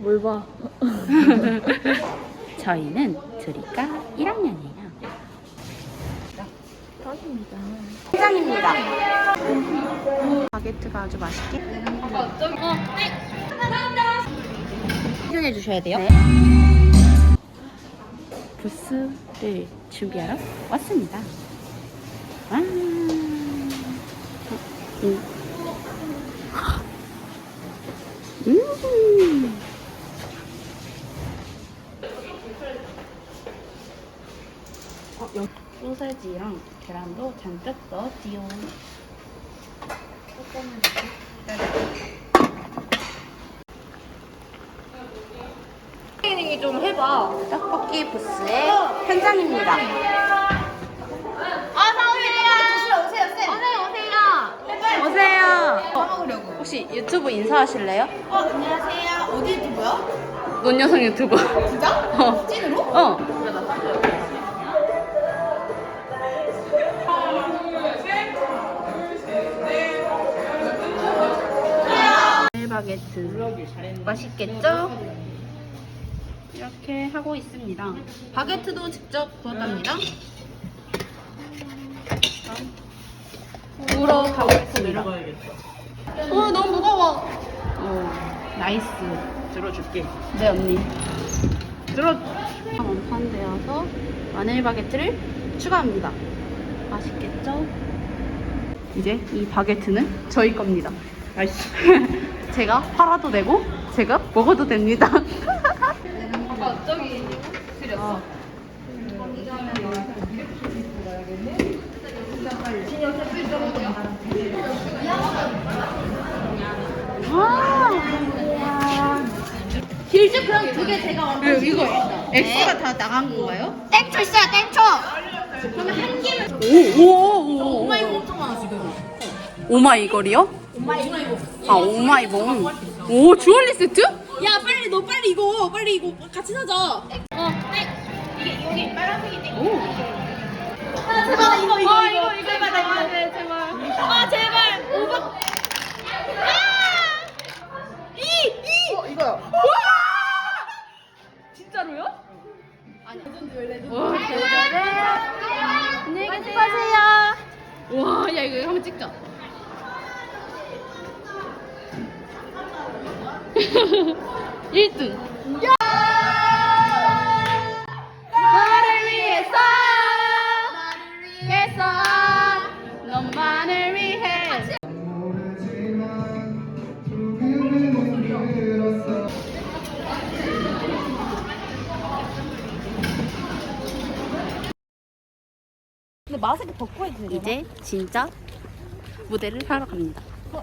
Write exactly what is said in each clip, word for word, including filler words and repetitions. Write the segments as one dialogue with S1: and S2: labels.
S1: 뭘 봐.
S2: 저희는 둘이가 일 학년이에요.
S1: 딱입니다.
S2: 회장입니다. 바게트가 아주 맛있게 해준해 주셔야 돼요. 네. 부스를 준비하러 왔습니다. 와. 음. 음. 어, 여기 소세지랑 계란도 잔뜩 넣었지요. 조금만
S1: 트레이닝 좀 해봐.
S2: 떡볶이 부스의 현장입니다.
S1: 오세요, 오세요, 오세요.
S2: 오세요.
S1: 뭐 먹으려고?
S2: 혹시 유튜브 인사하실래요?
S1: 어, 안녕하세요. 어디 유튜브요?
S2: 논여성 유튜브.
S1: 진짜?
S2: 어.
S1: 찐으로?
S2: 어. 바게트 맛있겠죠? 이렇게 하고 있습니다. 바게트도 직접 구웠답니다. 구우러 가보겠습니다. 어, 너무 무거워. 오, 나이스.
S3: 들어줄게.
S2: 네, 언니. 들어. 완판되어서 마늘 바게트를 추가합니다. 맛있겠죠? 이제 이 바게트는 저희 겁니다.
S3: 아이씨.
S2: 제가 팔아도 되고 제가 먹어도 됩니다.
S1: 아까 저기 드렸어.
S2: 와.
S1: 길즈 그럼 두 개 제가 완전
S2: 이거 X가 다 나간 건가요?
S1: 땡초 있어요, 땡초. 그러면 한 개는
S2: 오오오.
S1: 오마이거 엄청 많아 지금.
S2: 오마이걸이요?
S1: 오마이거.
S2: 아 오마이봉. 오 주얼리 세트?
S1: 야 빨리 너 빨리 이거 빨리 이거 같이 사자. 어, 땡. 이게 여기 빨간색이 땡.
S2: 오.
S1: 아 제발 이거 이거 아, 이거 이거 이거 제발 아, 네, 제발. 아 제발 오백. 아! 이 이. 어 이거요. 와! 진짜로요? 아니 레전드 레전드.
S2: 와 대단해. 안녕히
S1: 계세요.
S2: 와, 야 이거 한번 찍자. 일 등. 너를 위해서, 나를 위해서, 너만을 위해.
S1: 근데 마스크 벗고 해도 되나?
S2: 이제 진짜 무대를 하러 갑니다.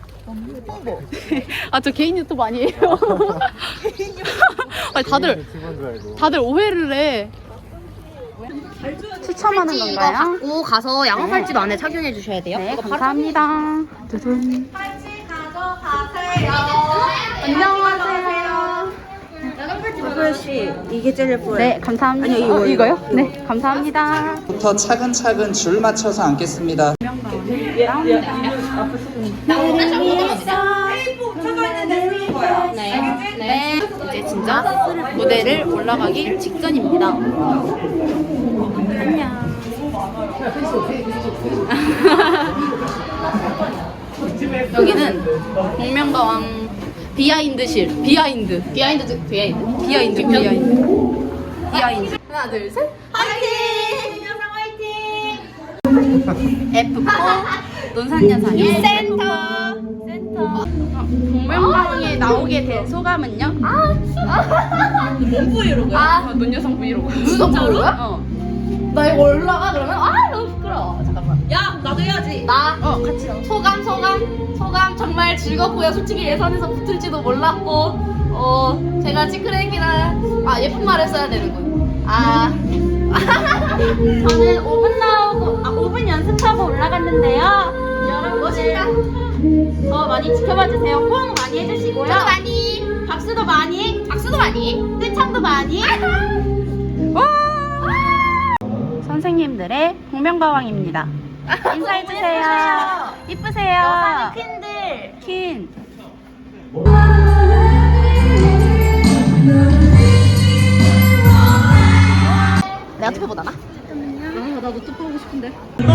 S2: 아, 저 개인 유튜브 아니에요. 아니, 다들, 다들 오해를 해. 추첨하는 건가요?
S1: 갖고 가서 양호팔집 안에 착용해 주셔야 돼요.
S2: 네, 감사합니다. 두둔.
S1: 팔찌 가져가세요.
S2: 안녕하세요.
S1: 박소연씨 이게 제일 예뻐요.
S2: 네, 감사합니다.
S1: 아니요, 이거,
S2: 어, 이거요?
S1: 이거.
S2: 네, 감사합니다.
S4: 부터 차근차근 줄 맞춰서 앉겠습니다.
S2: 네, 네. 이제 진짜 무대를 올라가기 직전입니다. 안녕. 여기는 복면가왕 비하인드실. 비하인드. 비하인드. 비하인드. 비하인드. 비하인드. 비하인드. 하나, 둘, 셋.
S1: 화이팅! 여상 화이팅!
S2: 에프 사 논산여상의
S1: 센터.
S2: 센터. 복면가왕에 나오게 된 소감은요?
S1: 뭔 브이로그야?
S2: 아, 논여성 브이로그.
S1: 무슨 브이로그야?
S2: 어.
S1: 나 이거 올라가 그러면 아 너무 부끄러워. 잠깐만. 야 나도 해야지. 나
S2: 어, 같이 나와.
S1: 소감 소감 소감 정말 즐겁고요. 솔직히 예선에서 붙을지도 몰랐고 어 제가 찌크레기랑 아 예쁜 말을 써야 되는군. 아 저는 오 분 나오고 아 오 분 연습하고 올라갔는데요. 여러분 멋있다. 더 많이 지켜봐 주세요. 호응 많이 해주시고요. 더 많이 박수도 많이 박수도 많이 떼창도 많이.
S2: 선생님들의 복면가왕입니다. 인사해주세요. 이쁘세요.
S1: 퀸들.
S2: 퀸.
S1: 내가 투표 못하나?
S2: 아, 나도 또 보고 싶은데.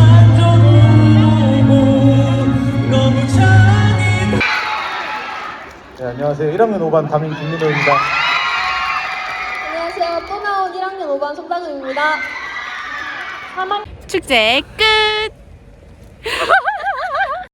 S5: 네, 안녕하세요. 일 학년 오 반 담임 김민호입니다.
S6: 안녕하세요. 또 나온 일 학년 오 반 손다금입니다.
S2: 축제 끝!